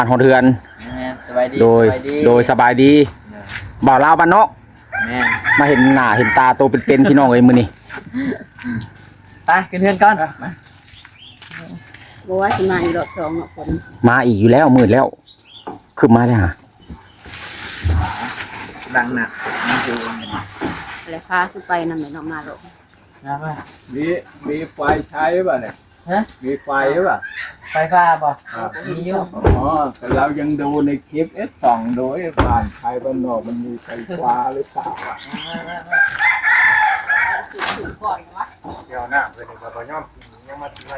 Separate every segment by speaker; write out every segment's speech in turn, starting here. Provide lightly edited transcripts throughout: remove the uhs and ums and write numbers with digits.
Speaker 1: บ้านฮอดเทือน
Speaker 2: สบายดี
Speaker 1: โดยสบายดีบ่าวลาวบ้านนอกมาเห็นหน้าเห็นตาโตเป็นพี่น้องเอ้ยมื้อนี้
Speaker 2: ไปขึ้นเทือนก่อนมา
Speaker 3: บอกว่าสิมาอีกรอบสองฝน
Speaker 1: มาอีกอยู่แล้วมืดแล้วขึ้นมาได้ฮะ
Speaker 2: ดังหนัก
Speaker 3: อะไรพาขึ้นไปนำเหมือนออกมาหรอก
Speaker 4: มีไฟใช้ป่ะเนี่ยมีไฟป่ะ
Speaker 2: ไฟฟ้าป่ะมีอยู่
Speaker 4: แต่เรายังดูในคลิปส่องดูผ่านไฟบ้านนอกมันมีไฟฟ้าหรือเปล่าเดี๋ยวหน้าเลยเราไปย่อมยังมาที่ไร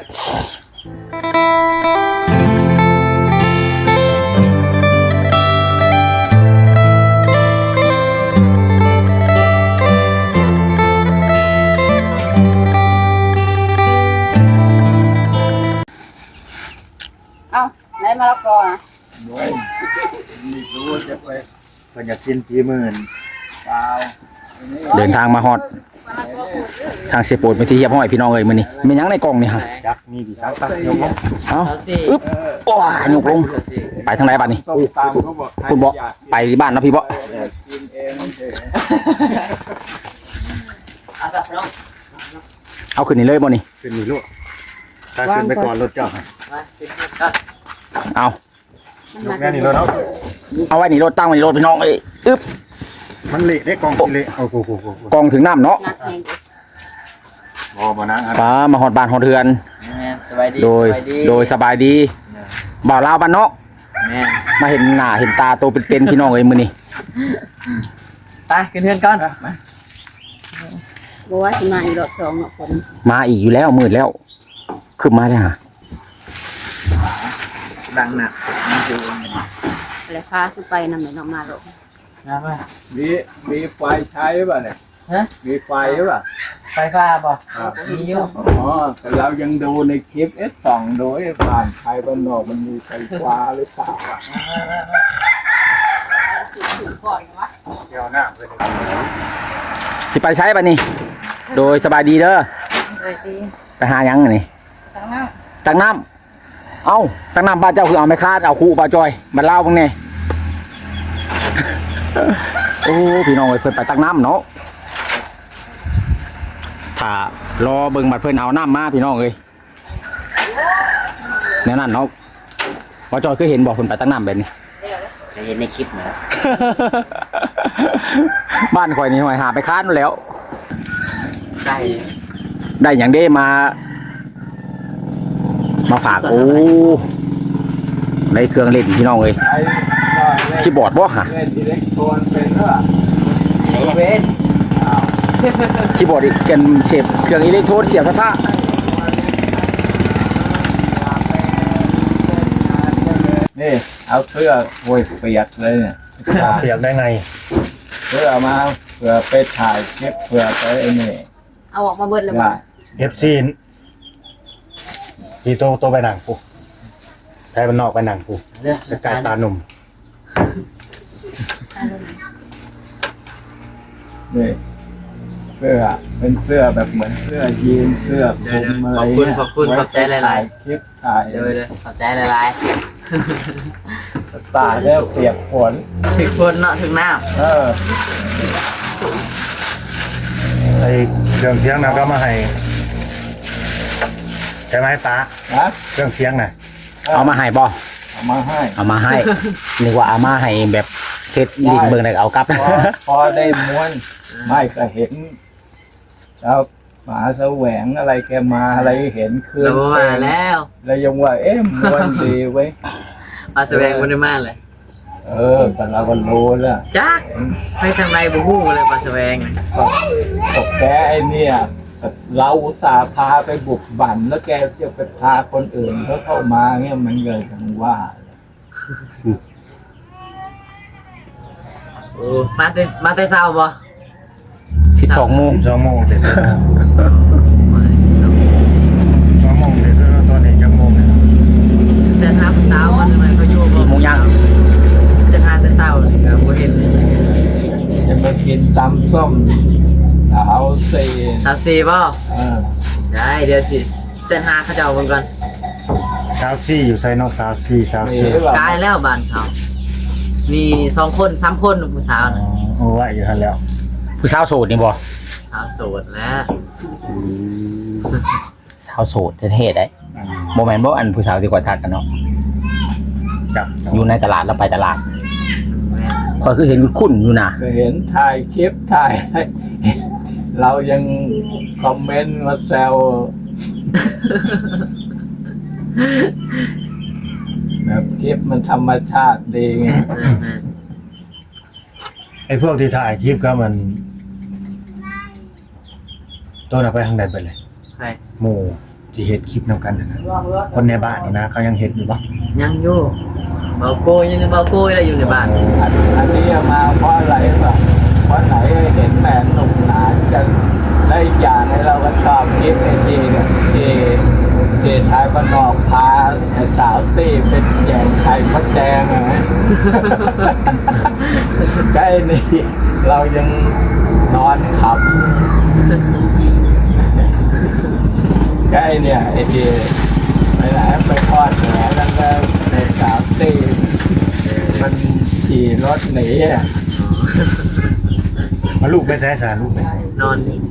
Speaker 3: ได้มาแล้วก่อน
Speaker 4: ไม่รู้จะไปอยากกินกี่หมื่นเปล่า
Speaker 1: เดินทางมาฮอดทางเสียโปรดไปที่เฮียบห้อยพี่น้องเอ้ยมื้อนี้มีหยังในกล่องนี่ฮะ
Speaker 4: จักมีกี่ซักตักยกลง
Speaker 1: เอ้าอึ๊บโอ้ยยกลงไปทางไหนบัดนี้คุณบ่ไปที่บ้านเนาะพี่บ่เอาขึ้นนี่เลยบ่นี่
Speaker 4: ขึ้นนี่ลูกถ้าขึ้นไปก่อนรถเจ้า
Speaker 1: เอา
Speaker 4: แม่นี่รถ
Speaker 1: เอาไว้นี่รถตั้งไว้นี่รถพี่น้องเอ้ยอึ๊บ
Speaker 4: มันเละได้กองเละโอ้โห
Speaker 1: กองถึงน้ำเนาะ
Speaker 4: บ่นะ
Speaker 1: ป้ามาฮอดบ้านฮอดเทือนโดยสบายดีบ่าวลาวบ้านนอกมาเห็นหน้าเห็นตาโตเป็นพี่น้องเอ้ยมื้อนี้
Speaker 2: ไปขึ้นเทือนก่อนมา
Speaker 3: บอกว่าสิมาอีกรอบสองฝน
Speaker 1: มาอีกอยู่แล้วมืดแล้วขึ้นมาได้ฮะ
Speaker 2: ดังหนัก
Speaker 3: อะไรพาขึ้นไปนำเหมือนออกมาหรอก
Speaker 4: มีไฟใช้ป่ะเนี่ยมีไฟป่ะ
Speaker 2: ไฟฟ้าป่ะมีอยู่
Speaker 4: แต่เรายังดูในคลิปส่องดูผ่านไฟบ้านนอกมันมีไฟฟ้าหรือเปล่าเดี๋ยวหน้าเลย
Speaker 1: สิไปใช้ป่ะนี่โดยสบายดีเด้อไปหายังนี่ตักน้ำเอาตักน้ำป้าเจ้าคือเอาไม่คาดเอาคู่ป้าจอยมาเล่าบ้างเนี่ยโอ้พี่น้องเพิ่นไปตักน้ำเนาะถ้ารอเบิ่งบัดเพิ่นเอาน้ำมาพี่น้องเลยแน่นั่นเนาะป้าจอยเคยเห็นบอกเพิ่นไปตักน้ำแบบนี้
Speaker 2: เห็นในคลิปนะ
Speaker 1: บ้านข่อยนี่หอยหาไปคาดแล้ว
Speaker 2: ได้
Speaker 1: อย่างเด้มาฝากโอ้ในเครื่องเล่นพี่น้องเลยคีย์บอร์ดบ่ฮะคีย์บอร์ดกันเชฟเครื่องอิเล็กโทรนเสียบกระทะ
Speaker 4: นี่เอาเสื้อโวยเปียกเลยเนี่ยเปียกได้ไงเสื้อมาเผื่อไปถ่ายคลิปเผื่อไปไอ้นี่
Speaker 3: เอาออกมาเบิดแล้วบ่
Speaker 4: FCที่โตไปหนังปูไทยบ้านนอกไปหนังปูจะกลายตาหนุ่มนี่เสื้อเป็นเสื้อแบบเหมือนเสื้อยีนเสื้อคลุมอะไร
Speaker 2: ขอบคุณขอบใจหลาย
Speaker 4: ๆคลิปถ่าย
Speaker 2: เลยขอบใจหลาย
Speaker 4: ตาเริ่มเปียกฝน
Speaker 2: ถึงฝนเนาะถึงน้ำ
Speaker 4: ไอเครื่องเสียงนะก็มาให้ใช่ไหมตาเครื่องเสียงน่ะ
Speaker 1: เอามาให้บ่
Speaker 4: เอามาให้
Speaker 1: นึกว่าเอามาให้แบบเทสลิงเบิ่งได้เอากลับ
Speaker 4: พอได้ม้วนไม่ก็เห็นแล้วหมาแสวงอะไรแกมาอะไรเห็นคืน
Speaker 2: มาแล้ว
Speaker 4: ยังว่าม้วนดีไว้
Speaker 2: มาแสวงมันได้มากเลย
Speaker 4: แต่เราก็รู้แล้ว
Speaker 2: จ้าไปทางไหนบุ้งเลยมาแสวง
Speaker 4: ตกแกไอ้เนี่ยเราอุตส่าห์พาไปบุกบั่นแล้วแกจะไปพาคนอื่นเขาเข้ามาเงี้ยมันเลยทั้งว่า
Speaker 2: โอ้มาแต่เช้าบ่
Speaker 1: 12 โมง
Speaker 4: แต่เช้า2 โมงแต่เช้าตอนนี้จังโมงเลย
Speaker 2: เส้นทางเช้าวันทำไมเขาอยู่
Speaker 1: 4 โมงยัง
Speaker 2: เส้นทางแต่เช้าเลยครับผมเห็น
Speaker 4: จะมากินตำส้มสาว
Speaker 2: สี่ป่ะได้เดี๋ยวสิเส้นทางเขาจะเอาเบิ่งก่อน
Speaker 5: สาวซี่อยู่ไซนอกสาวซี่สาว
Speaker 4: มี
Speaker 5: ซี่
Speaker 4: หรือเปล่าก
Speaker 2: ายแล้วบ้านเขา มี2 คน3 คนผู้สาวน่ะ
Speaker 5: โอ้ว่าอยู่ทันแล้ว
Speaker 1: ผู้สาวโสดนี่บ่
Speaker 2: สาวโสดแล้ว
Speaker 1: สาวโสดเท่ๆได้บ่แม่นบ่อันผู้สาวที่กว่าทักกันเนาะ
Speaker 5: จับ
Speaker 1: อยู่ในตลาดแล้วไปตลาด
Speaker 2: แม่น
Speaker 1: ข่อยคือเห็นคุ้นๆอยู่นะ
Speaker 4: เคยเห็นถ่ายคลิปถ่ายอะไรเรายังคอมเมนต์มาแซวแบบคลิปมันธรรมชาติดีไง
Speaker 5: ไอ้พวกที่ถ่ายคลิปก็มันตัวน่ะไปทางใดไปเลย
Speaker 2: ใคร
Speaker 5: หมู่ที่เฮ็ดคลิปนำกันน่ะนะคนในบ้านนี่นะเขายังเฮ็ดอยู่บ่
Speaker 2: ยังอยู่เบาโกยยังเบาโกยอะไรอยู่ในบ้าน
Speaker 4: อันนี้มาเพราะอะไรป่ะเพราะไหนเห็นแฟนหนุ่มหนากันได้อีกอย่างให้เราก็ชอบคลิปไอ้ทีเนี่ยที่ชายบ้านนอกพาสาวตี้เป็นแยงไข่มดแดงอะ ใกล้นี่เรายังนอนขับใกล้เนี่ยไอ้ที่ไปไหนไปทอดแหนแล้วก็ในสาวตี้มันขี่รถหนีอ่ะ
Speaker 5: มาลูกไปใส่สารลูกไปใส่
Speaker 2: นอนนี่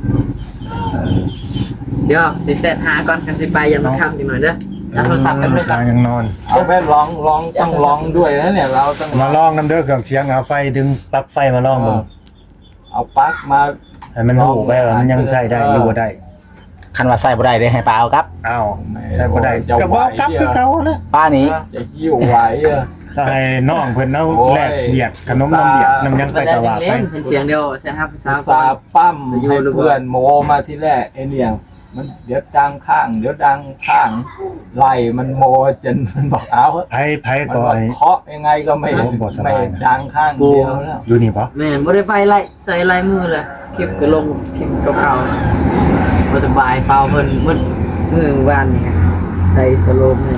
Speaker 2: เดี๋ยวสิเสร็จหาก่อนกันสิไปยังมันค่ำอีกหน่อยเด้อจับโทรศัพท์กันโทรศัพท์
Speaker 5: ยังนอน
Speaker 4: เอาไปร้องต้องร้องด้วยนะเนี่ยเราต้อง
Speaker 5: มาลองน้ำเด้อเครื่องเสียงเอาไฟดึงปลั๊กไฟมาลองเบิ่ง
Speaker 4: เอาปลั๊กมา
Speaker 5: ให้มันรู้ไปว่ามันยังใช้ได้หรือบ่ได้
Speaker 1: คันว่าใส่บ่ได้เด้ให้ป้าเอาครับ
Speaker 5: อ้าวใช้บ่ได้
Speaker 4: จะ
Speaker 5: ก็
Speaker 4: ไหว
Speaker 5: บอกกลับคือเก่าแหล้ว
Speaker 1: ป้านี้
Speaker 4: จะหิ้วไหวอ่ะ
Speaker 5: ถ้าให้น้องเพิ่นเอา
Speaker 4: โอ้ย
Speaker 5: แลกเบียดขนมน้ำเบียดน้ำยังไป
Speaker 2: ไม่ได้
Speaker 5: ตลาดไป
Speaker 2: เล่นเป็นเสียงเดียวเสียงฮับสาว
Speaker 4: ซาปั้มให้เพื่อนโมมาที่แรกไอ้เนี่ยมันเดี๋ยวดังข้างเดี๋ยวดังข้างไล่มันโมจนมันบอกเอา
Speaker 5: ไผ
Speaker 4: มัน
Speaker 5: ก็
Speaker 4: บอก
Speaker 5: ไอ้
Speaker 4: เคาะยังไงก็ไม่
Speaker 5: โอ้บ่สบายนะ
Speaker 4: ไม่ดังข้างเดียวแล้ว
Speaker 5: อยู่นี่บ่
Speaker 2: แม่บ่ได้ไปไล่ใส่ลายมือเลยคลิปก็ลงคลิปเก่าๆบ่สบายเฝ้าเพิ่นมืดมือวานนี่ฮะใส่สโลมนี่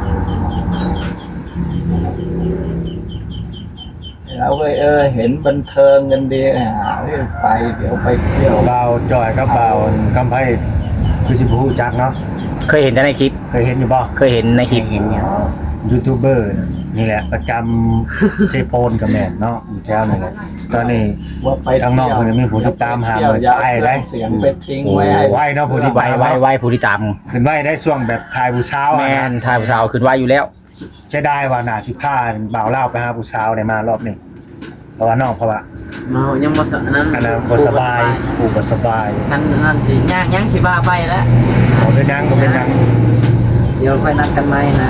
Speaker 4: เราเลยเห็นบันเทิงกันดีไปเดี๋ยวไปเที่ยว
Speaker 5: บ่าวจอยกับบ่าวกำไผคือสิบ่ฮู้จักเนาะ
Speaker 1: เคยเห็นแต่ในคลิป
Speaker 5: เคยเห็นอยู่บ่
Speaker 1: เคยเห็นในคลิป
Speaker 5: ยูทูบเบอร์นี่แหละประจำเซโปนกับแม่นเนาะอยู่แถวนี่แหละตอนนี้
Speaker 4: ว่าไป
Speaker 5: ทางนอกมันมีผู้ติดตามหา
Speaker 4: เที่ยว
Speaker 5: มัน
Speaker 4: อย่า
Speaker 5: ไปได้
Speaker 4: เสียงไปทิ้ง
Speaker 1: โอ้
Speaker 4: ไว้ให้
Speaker 5: ไว้เนาะผู้ที่
Speaker 1: ไว้ผู้ที่ตาม
Speaker 5: ขึ้นไว้ได้ช่วงแบบถ่ายผู้สาว
Speaker 1: แม่นทายผู้สาวขึ้นไว้อยู่แล้ว
Speaker 5: ใช้ได้ว่าน่าสิพาบ่าวเล่าวไปหาผู้สาวได้มารอบนี้เพราะว่าน้องเพราะว่า
Speaker 2: เมายังบ่สนั้น
Speaker 5: อันนั้นบ่สบายผู้บ่สบาย
Speaker 2: นั่นสิย่างสิบ้าไปแล้ว
Speaker 5: บ่เป็นหยังบ่เป็นหยัง
Speaker 2: เดี๋ยวค่อยนัดกันใหม่นะ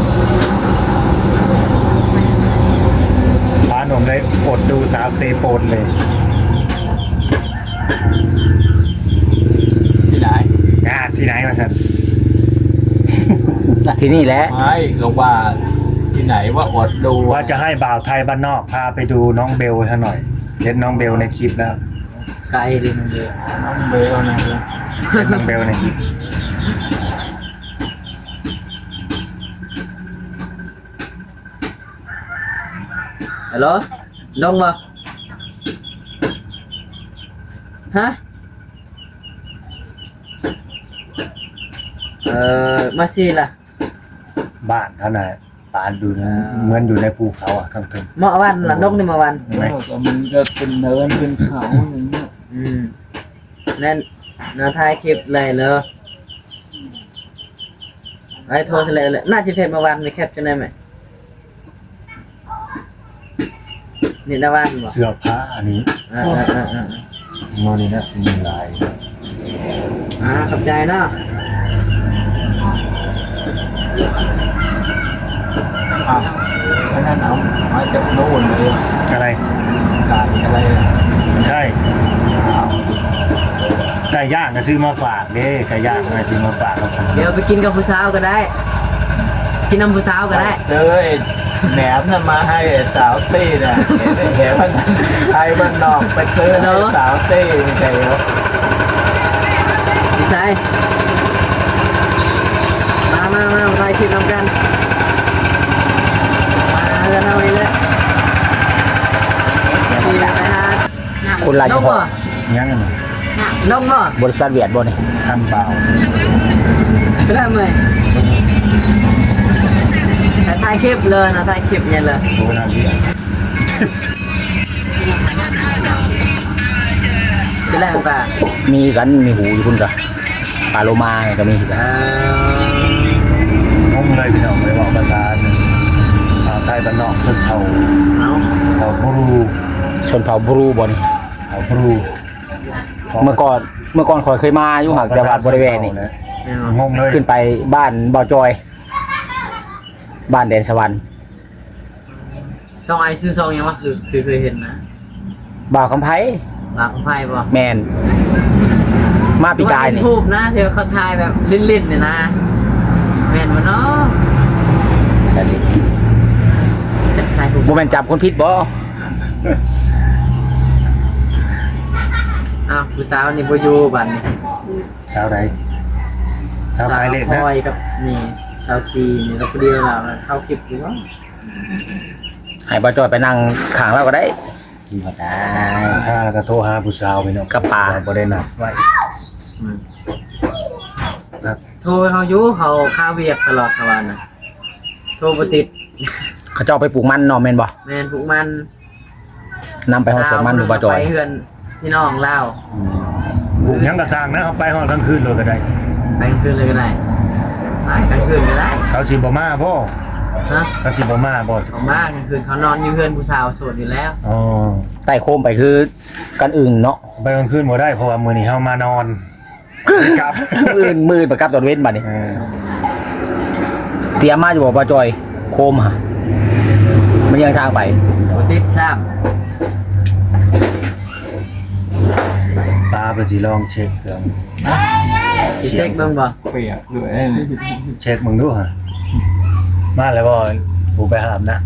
Speaker 5: พาหนุ่มเลยอดดูสาวเซโปนเลย
Speaker 4: ที่ไหน
Speaker 5: งานที่ไหนมาซั่น
Speaker 1: ที่นี่แหละ
Speaker 4: ไม่ก็ว่าที่ไหนว่าอดดู
Speaker 5: ว่าจะให้บ่าวไทยบ้านนอกพาไปดูน้องเบลซะหน่อยเห็นน้องเบลในคลิปแล้ว
Speaker 2: ไกลเลยมันเดียว
Speaker 4: น้องเบลนะ
Speaker 5: เห็นน้องเบลในคลิป
Speaker 2: ฮัลโหลลงบ่ฮะมาสิล่ะ
Speaker 5: บ้านเขาน่ะบ้านดูนะเหมือนอยู่ในภูเขาอ่ะข้างถึง
Speaker 2: เมื่อวันล่ะลงนี่เมื่อวัน
Speaker 4: ก็มันก็เป็นเนินเป็นเขาอย่างเงี้ย
Speaker 2: นั่นนาถ่ายคลิปเลยเลยไอ้โทรเลยน่าจะเพจเมื่อวานมีแคปจะได้ไหมนี่ดาวันบ่
Speaker 5: เสื้อผ้าอันนี้ มอนี่นะมีลาย
Speaker 2: ขอบใจเนาะ
Speaker 4: อ่ะเพราะนั้นเอามาจากโน่นเลย
Speaker 5: อะไร
Speaker 4: ไก่อะไร
Speaker 5: ใช่ไก่ย่างก็ซื้อมาฝากเด้ไก่ย่างก็ซื้อมาฝากครับ
Speaker 2: เดี๋ยวไปกินกับผู้สาวก็ได้ กินน้ำผู้สาวก็ได้
Speaker 4: เจอไอ้แหนมน่ะมาให้สาวตี้น่ะเห็นมันไทยมันนอกไปซื้อให้สาวตี้ไม่ใช่เหรอ
Speaker 2: พี่ชายมาถ่ายคลิปนำกันมากันเอาเลยขี่ไปหา
Speaker 1: คนลาย
Speaker 2: ล
Speaker 1: ยี่
Speaker 2: ง
Speaker 1: ห้อ
Speaker 2: บ่
Speaker 5: ยังไง
Speaker 2: ลงบ่
Speaker 1: บริษัทเวียดบ่นี่
Speaker 5: ทำเปล่า
Speaker 2: เริ่มเลยถ่ายคลิปเลยนะถ่ายคลิปเนี่ยเลย
Speaker 5: โอ้นาที
Speaker 2: เป็นไรของป่า
Speaker 1: มีกันมีหูอยู่พุ่นกะปลาโลมาเนี่ยก็มีคือกัน
Speaker 5: งงเลยพี่น้องไปบอกภาษาหนึ่งใต้บ้านนอกซึ่งเขา
Speaker 2: เอา
Speaker 5: บรู
Speaker 1: ชนเผ่าบรูบ่นี่
Speaker 5: เขาบรู
Speaker 1: เมื่อก่อนข่อยเคยมาอยู่หักแต่ว่าบริเวณนี่
Speaker 5: งงเลย
Speaker 1: ขึ้นไปบ้านบ่าวจอย บ้านแดนสวรรค์
Speaker 2: ซองไอซื้อซองยังวะคือเคยเห็นนะ
Speaker 1: บ่าวคำไผ
Speaker 2: ปากของไพ่ป่ะ
Speaker 1: แมนมาปีกายนี่
Speaker 2: รูปนะเธอเขาถ่ายแบบลิ้นๆเนี่ยนะแม่นวะเนาะจะถ่ายรูป
Speaker 1: บ่แม่นจับคนผิดบ่
Speaker 2: อ้าวผู้สาวนี่บ่อยู่บัดนี้
Speaker 5: สาวใดสาวขายเลข
Speaker 2: พ
Speaker 5: นะ
Speaker 2: ลอยกับนี่สาวซีนี่เราคนเดียวเราเข้าคลิปอยู่วะ
Speaker 1: ให้บ่าวจอยไปนั่งข้างเราก็ได้
Speaker 5: บ่ได้ถ้าก็โทรหาผู้สาวพี่น้อง
Speaker 1: กับปลา
Speaker 5: บ่ได้นัดไว้ ครับ
Speaker 2: โทรไปเขาอยู่เขาข้าวเวียกตลอดทั้งวันน่ะโทรบ่ติด
Speaker 1: เขาเจ้าไปปลูกมันเนาะแม่นบ่
Speaker 2: แม่นพวกมัน
Speaker 1: นำไปฮอดสวนมันดูบ่าวจอย
Speaker 2: ไปเฮือนพี่น้องเล่า
Speaker 5: บุกยังกระจางนะเขาไปฮอดกลางคืนเลยก็ได้
Speaker 2: ไปกลางคืนเลยก็ได้ไปกลางคืนก็ได้
Speaker 5: เขาสิบ่มาบ่
Speaker 2: ฮะ
Speaker 5: เขาสิบ่มาบ่
Speaker 2: เขามากกลางคืนเขานอนอยู่เฮือนผู้สาวโสดอยู่แล้ว
Speaker 5: อ๋อ
Speaker 1: ใต้โคมไปคือกันอื่นเนาะ
Speaker 5: ไปกลางคืนบ่ได้เพราะว่ามื้อนี้เฮามานอนกลับ
Speaker 1: มืดประกับตอนเว้นบัดนี้
Speaker 5: เออ
Speaker 1: เตรียมมาอยู่บ่บ่าวจอยโคมหะมันยังทางไป
Speaker 2: บ่ติดซ้ำ
Speaker 5: ตาเพิ่นสิลองเช็คเครื่อง
Speaker 2: สิเซ็กเบิ่งบ่
Speaker 4: เปียกด้วย
Speaker 5: เช็คมึงดูฮะมาแล้วบ่ผู้ไปหามนะ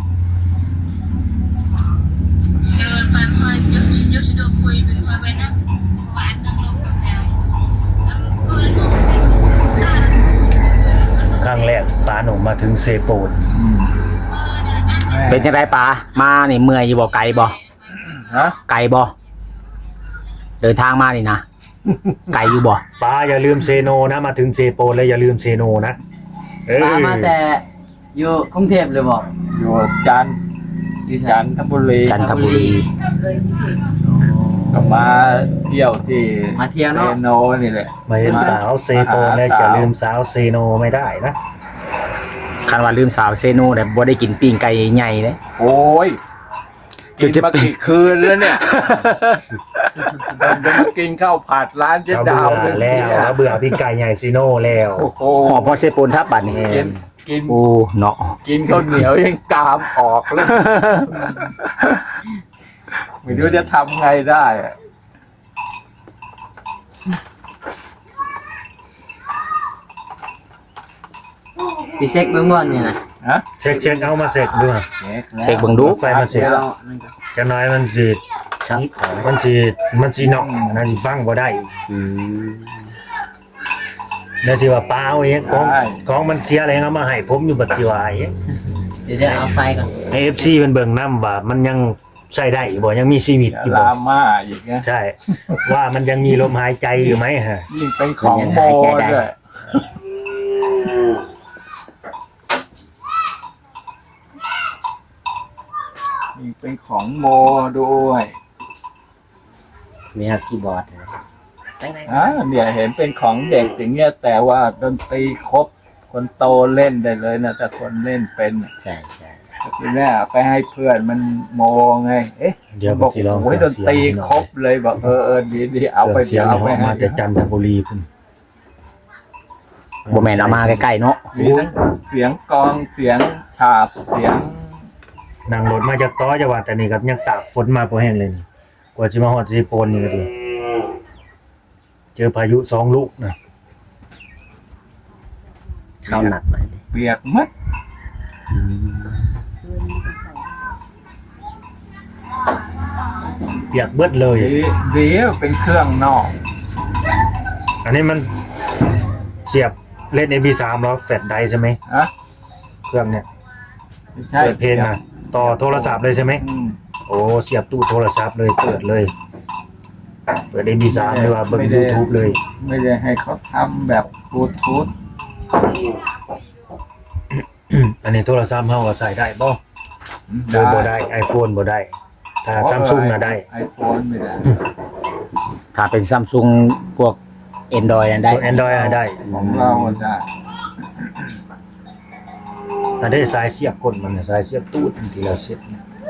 Speaker 5: ครั้งแรกปาหนุ่มมาถึงเซโปน
Speaker 1: เป็นจังไดปลามานี่เมื่อยอยู่บ่ไกลบ่
Speaker 4: ฮะ
Speaker 1: ไกลบ่เดินทางมานี่นะ ไกลอยู่บ่
Speaker 5: ปาอย่าลืมเซโนนะมาถึงเซโปนแล้วอย่าลืมเซโนนะเออ
Speaker 2: ตามมาแต่อยู่กรุงเทพเลยบอก
Speaker 4: อยู่จันทร์
Speaker 2: อยู่ไส
Speaker 4: จันทบุรี
Speaker 1: จันทบุรี
Speaker 4: ก็มาเที่ยวที่
Speaker 2: มาเที่ยว
Speaker 4: เซ
Speaker 2: เนาะ
Speaker 4: โนนี่แหละ
Speaker 5: มาเห็นสาวเซโปนแล้วอย่าลืมสาวเซโนไม่ได้นะ
Speaker 1: คันว่าลืมสาวเซโนแต่บ่ได้กินปิ้งไก่ใหญ่เลย
Speaker 4: โอ้ยกินมากี่คืนแล้วเนี่ยผมจะมากินข้าวผัดร้านเจ๊
Speaker 5: เขา
Speaker 4: ดาว
Speaker 5: เบื่อแล้วเขาเบื่อพี่ไก่ใหญ่ซีโนแล้ว
Speaker 4: โอ้โห
Speaker 1: หอพอเซโปนทับบัดนี่
Speaker 4: กิน
Speaker 1: โอ้เนาะ
Speaker 4: กินข้าวเหนียวยังกามออกแล้วไม่รู้จะทำไงได้อะ
Speaker 2: สิเซ็กเบิ่งบ่นี่นะ
Speaker 4: ฮะ
Speaker 5: เช็คเอามาเสร็จด้วย
Speaker 1: เช็คเบิ่งดู
Speaker 5: ไฟมาเสร็จ
Speaker 2: เดี๋ยวนั่นก็
Speaker 5: จะน้อยมันสิมันสินอกนะสิฟังบ่ได้แล้วสิว่าเปล่าเองของมันเสียอะไรเอามาให้ผมอยู่บัดสิว่าเอง
Speaker 2: เดี๋ยวจะเอาไฟก่อน
Speaker 5: AFC เพิ่นเบิ่งนำว่ามันยังใช้ได้อยู่บ่ยังมีชีวิตอยู่
Speaker 4: ลา
Speaker 5: บ่
Speaker 4: ม่าอีกนะ
Speaker 5: ใช่ ว่ามันยังมีลมหายใจอยู่ไหมฮะ
Speaker 4: ยิ่งเป็นของโมด้วยยิ่งเป็นของโมด้วย
Speaker 2: มีครับคีย์บอร์ดนะ
Speaker 4: เนี่ยเห็นเป็นของเด็กอย่างเงี้ยแต่ว่าดนตรีครบคนโตเล่นได้เลยนะถ้าคนเล่นเป็น
Speaker 2: ใช่ใช่
Speaker 4: ทีแรกไปให้เพื่อนมันโมไง เอ๊ะ
Speaker 5: เดี๋ยว
Speaker 4: บอก
Speaker 5: สิลอง
Speaker 4: โอ้ยดนตรีครบเลยบอกดีเอาไป
Speaker 5: เสียง
Speaker 4: เอาไป
Speaker 5: มา
Speaker 4: ให้
Speaker 5: จากจันทบุรีพุ่น
Speaker 1: บ่แม่นเอามาใกล้ๆเนาะ
Speaker 4: มีทั้งเสียงกลองเสียงฉาบเสียง
Speaker 5: นั่งรถมาจากต้อจังหวัดแต่นี่ก็ยังตากฝนมาบ่แห้งเลยนี่กว่าสิมาฮอดสิโปนนี่ก็ดีเจอพายุ2ลูกนะ
Speaker 2: เข้าหนักเลยดิ
Speaker 4: เปียกมัด
Speaker 5: เปียกเบิดเลย
Speaker 4: ดีเป็นเครื่องนอก
Speaker 5: อันนี้มันเสียบเล่น MP3 แล้วแฟลชไดร์ใช่ไหม
Speaker 4: ฮะ
Speaker 5: เครื่องเนี่ย
Speaker 4: ไม่ใช่
Speaker 5: เปิดเพลงนะต่อโทรศัพท์เลยใช่ไหม
Speaker 4: อืม
Speaker 5: โอ้เสียบตู้โทรศัพท์เลยเปิดเลย เปิด MP3 เลยว่าเบิ่ง YouTube เลย
Speaker 4: ไม่ได้ให้เขาทำแบบบลูทูธ
Speaker 5: อันนี้โทรศัพท์เฮาก็ใส่ได้บ่โดยบ่ได้ iPhone บ่ได้ถ้า Samsung น่ะได้
Speaker 4: ไอโฟนไม่ได้
Speaker 1: ถ้าเป็นซัมซุงพวก Android นั่นได้
Speaker 5: ตัว Android น่ะได้
Speaker 4: ของเราได้
Speaker 5: อันนี้สายเสียบกดมันน่ะสายเสียบตูดที่เราเสียบ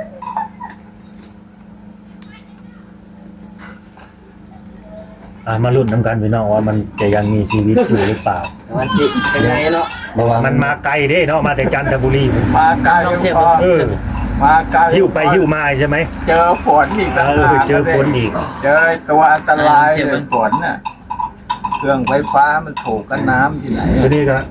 Speaker 5: มาลุ้นน้ำกันพี่น้องว่ามันจะยังมีชีวิตอยู่หรือเปล่า
Speaker 2: วันสิเป็นไงเนาะ
Speaker 5: เพราะว่ามันมาไกลเด้เนาะมาแต่จันทบุรี
Speaker 4: มาไกล
Speaker 2: ต้องเสียบ
Speaker 4: พอ
Speaker 5: เออ
Speaker 4: มาไกล
Speaker 5: หิ้วไปหิ้วมาใช่ไหม
Speaker 4: เจอฝนอีกต่างหาก
Speaker 5: เจอฝนอีก
Speaker 4: เจอตัวอันตรายเลยฝนน่ะเครื่องไฟฟ้ามันถูกกับน้ำที่ไหน
Speaker 5: ทีนี้ก็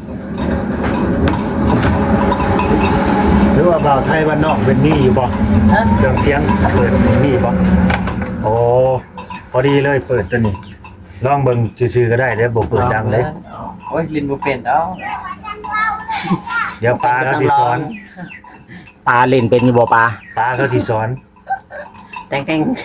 Speaker 5: หรือว่าบ่าวไทยบ้านนอกเป็นนี่อยู่บ่
Speaker 2: ฮะ
Speaker 5: เครื่องเสียงเปิดมีบ่โอ้พอดีเลยเปิดตัวนี้ลองเบิ่งซื่อๆก็ได้เดี๋ยวบ่เปิดดังเลย
Speaker 2: โอ้ยลินบ่เป็นแล้ว
Speaker 5: เดี๋ยวปลาเขาสิสอน
Speaker 1: ปลาเล่นเป็นอยู่บ่ปลา
Speaker 5: ปลาเขาสิสอน
Speaker 3: แต่ง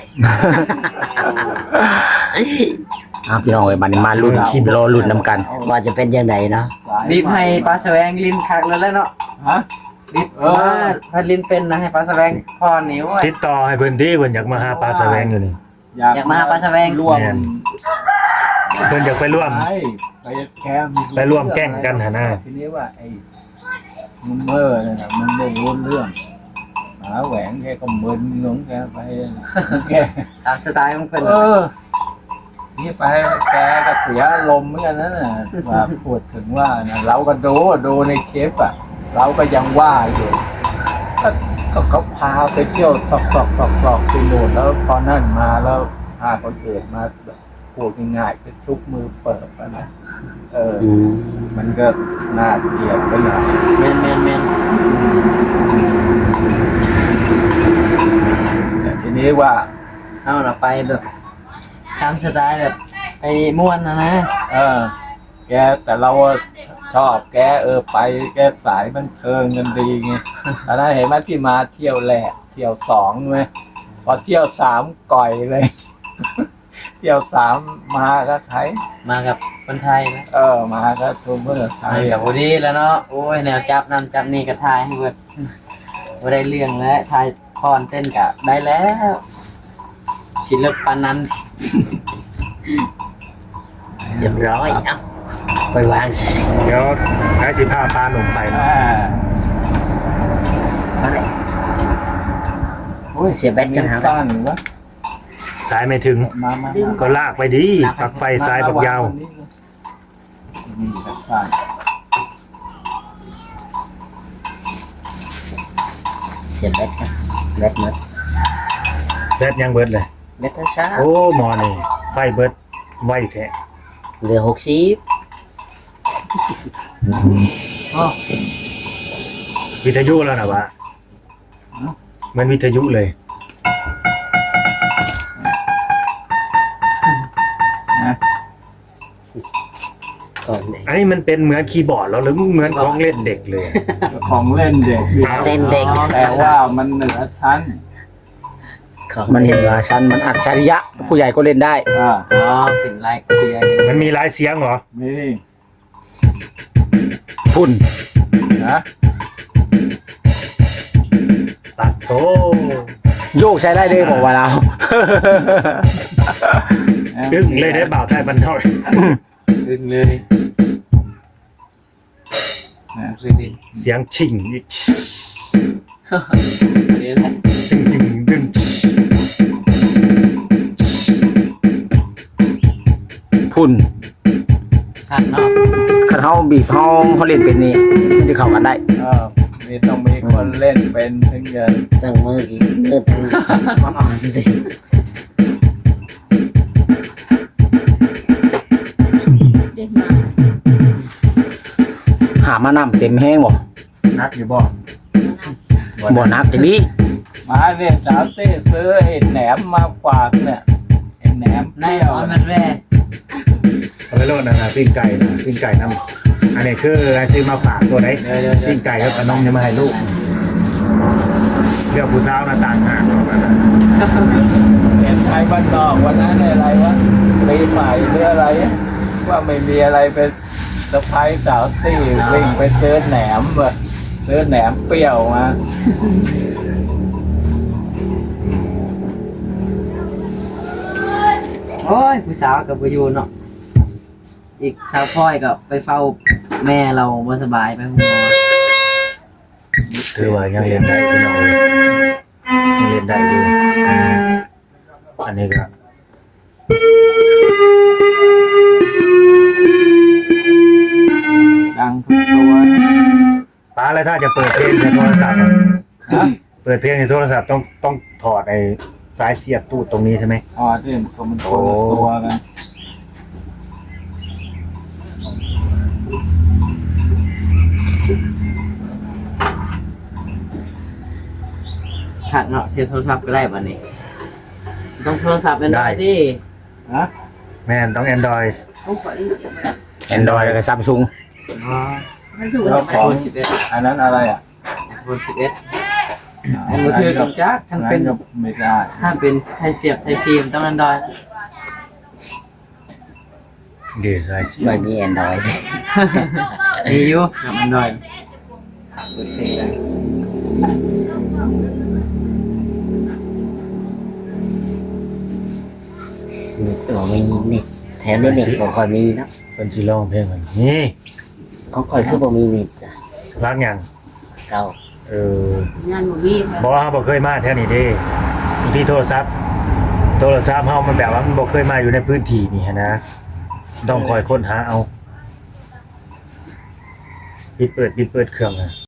Speaker 1: พี่น้องเอ้ยบัดนี้มาลุ้นรอลุ้นนํกัน
Speaker 3: ว่าจะเป็นยังไงเนาะ
Speaker 2: รีบให้ปลาแสวงลินคักแล้วเนาะ
Speaker 4: ฮะ
Speaker 2: รีบมาถ้าลินเป็นนะให้ปลาแสวงพ่อนิ้ว
Speaker 5: ติดต่อให้เพิ่นที่เพิ่นอยากมาหาปลาแสวงอยู่นี่
Speaker 2: อยากมาหาปลาแสวง
Speaker 4: ร่วม
Speaker 5: แม่น เพิ่นอยากไปร่วม
Speaker 4: ไปแก้ม
Speaker 5: ไปร่วมแกล้งกันหาหน้า
Speaker 4: ทีนี้ว่าไอ้มุมเมอร์เนี่ยนะมันไม่รู้เรื่องหาแหวงแกก็มึนงงแกไปแก
Speaker 2: ตามสไตล์ของเพิ่น
Speaker 4: นี่ไปแกก็เสียอารมณ์เหมือนกันนะน่ะว่าพูดถึงว่านะเราก็ดูในคลิปอ่ะ เราก็ยังว่าอยู่ก็เขาพาไปเที่ยวตอกไปโน่นแล้วพอนั่นมาแล้วพาคนอื่นมาพูดง่ายๆคือชุบมือเปิดอะนะมันก็น่าเกลียดไปหน่อย
Speaker 2: แม่น
Speaker 4: แต่ทีนี้ว่า
Speaker 2: เอาล่ะไปแบบตามสไตล์แบบไปม่วนนะ
Speaker 4: แกแต่เราชอบแกไปแกสายบันเทิงกันดีไงตอนนั้นเห็นไหมที่มาเที่ยวแรกเที่ยวสองไหมพอเที่ยวสามก่อยเลย เที่ยวสามมาก็ไทย
Speaker 2: มากับคนไทยนะ
Speaker 4: มาก็ทูเมอร์ไท
Speaker 2: ไป
Speaker 4: ย
Speaker 2: กับพอดีแล้วเนาะโอ้ยแนวจับนั่นจับนี่ก็ทายให้เบิดบ่ได้เรื่องแล้วทายพรเต้นกะได้แล้วศิลปะนั้น
Speaker 3: เรียบร้อยเอ้าไปวาง
Speaker 5: เดี๋ยวให้สิพาปลาหนุ่มไปนะ
Speaker 3: เสียแบตกันหา
Speaker 4: สั้นวะ
Speaker 5: สายไม่ถึง
Speaker 4: มา
Speaker 5: ก็ลากไปดีปักไฟสายปักยาว
Speaker 4: นี่สั้น
Speaker 3: เสียแบตกันแบตหมด
Speaker 5: แบตยังเบิดเลย
Speaker 3: แบตช้า
Speaker 5: โอ้หมอนี่ไฟเบิดไวแท้
Speaker 3: เหลือ60
Speaker 5: วิทยุแล้วนะวะมันวิทยุเลย
Speaker 3: ก่อนเลย
Speaker 5: อันนี้มันเป็นเหมือนคีย์บอร์ดแล้วหรือเหมือนของเล่นเด็กเลย
Speaker 4: ของเล่นเด็ก
Speaker 3: เล่นเด็ก
Speaker 4: แต่ว่ามันเหนือชั้น
Speaker 3: ของ
Speaker 1: มันเห็นว่าชั้นมันอัจฉริยะผู้ใหญ่ก็เล่นได้
Speaker 2: อ๋อเป็นไลค์เดียร์
Speaker 5: มันมีหลายเสียงเหรอ
Speaker 4: นี่
Speaker 1: พุ่น
Speaker 4: นะ
Speaker 5: ตัดโต
Speaker 1: โยกใช้ได้เลยบอกว่าเรา
Speaker 5: ดึงเลยได้บ่าวไทยบรรเทา
Speaker 2: ดึงเลยคือดิ
Speaker 5: เสียงชิงอีก
Speaker 2: นี่แหละ
Speaker 5: ดึงดึง
Speaker 1: พุ่น
Speaker 2: คักเนาะ
Speaker 1: คันเฮาบีบเฮาเล่นเป็นนี่มันจะเข้ากันได้
Speaker 4: มีต้องมีคนเล่นเป็นถึงจะ
Speaker 3: ตั้งมืออีกมือตั้งอ่อนดิ
Speaker 1: หามานำเต็มแห้งบ่
Speaker 5: นักอยู่บ่
Speaker 1: บ่นักจังนี้
Speaker 4: มาเนี่ยสาวเต้ซื้อไอ้แหนมมาฝากเนี่ยไอ้แหนม
Speaker 2: ในตอนมันแรก
Speaker 5: เอาไปโลดนะปิ้งไก่นะปิ้งไก่น้ำอันนี้คือซื้อมาฝากตัวไหน
Speaker 2: เดี๋ยว
Speaker 5: ปิ้งไก่แล้วก็น้องจะมาให้ลูกเรื่องผู้สาวหน้าต่างหากประมาณนั้น
Speaker 4: เห็นไทยบ้านนอกวันนั้นอะไรวะปีใหม่หรืออะไรว่าไม่มีอะไรเป็นสะพายสาวตี้วิ่งไปซื้อแหนมว่ะซื้อแหนมเปรี้ยวมา
Speaker 2: โอ้ยผู้สาวกับผู้อยู่เนาะอีกสาวพ่อยกับไปเฝ้าแม่เราบ่สบายไปห้องหมอ
Speaker 5: ถือว่ายังเรียนได้พี่น้องเลยยังเรียนได้อยู่อันนี้ก็
Speaker 4: ดังทุกตัว
Speaker 5: ป้าแล้วถ้าจะเปิดเพลงในโทรศัพท์อะเปิดเพลงในโทรศัพท์ต้องถอดไอ้สายเสียบตู้ตรงนี้ใช่ไหม
Speaker 4: อ๋อที่มันคนละตัวกัน
Speaker 2: หักเนาะเสียโทรศัพท์ก็ได้บัดนี้ต้องโทรศัพท์เป็นได้ดิ
Speaker 4: ฮะ
Speaker 5: แม่นต้อง Android
Speaker 3: ต้องขออีกเดี๋ยวมา
Speaker 1: Android แล้วก็ Samsung
Speaker 2: อ๋อ
Speaker 3: ให้สู้
Speaker 4: แล้ว
Speaker 3: กัน
Speaker 4: ของ
Speaker 2: iPhone 11
Speaker 4: อันนั้นอะไรอ่ะ
Speaker 2: iPhone 11อันมือถือกับจักทั้งเป็น
Speaker 4: อัก็ไม่ได้
Speaker 2: ถ้าเป็นไทยเสียบไทยซีมต้อง Android
Speaker 5: เดี๋ยวสายเสียบ
Speaker 1: ไม่มี Android
Speaker 2: มีอยู่กับ Android เปิดเพลงได้
Speaker 6: บอกมีเน็ตแถมได้เน็ตบ่ค่อยมีเนาะ
Speaker 5: เป็นสิร้องเพลงมันนี่
Speaker 6: ของค่อยคือบ่มีเน็ตอะ
Speaker 5: รักหยัง
Speaker 6: เก่า
Speaker 3: งานบ่มีค่ะ
Speaker 5: บอกว่าบ่เคยมาแถวนี้เด้ที่โทรศัพท์เฮามันแบบว่ามันบ่เคยมาอยู่ในพื้นที่นี่หั้นนะต้องคอยค้นหาเอาปิดเปิดเครื่องอะ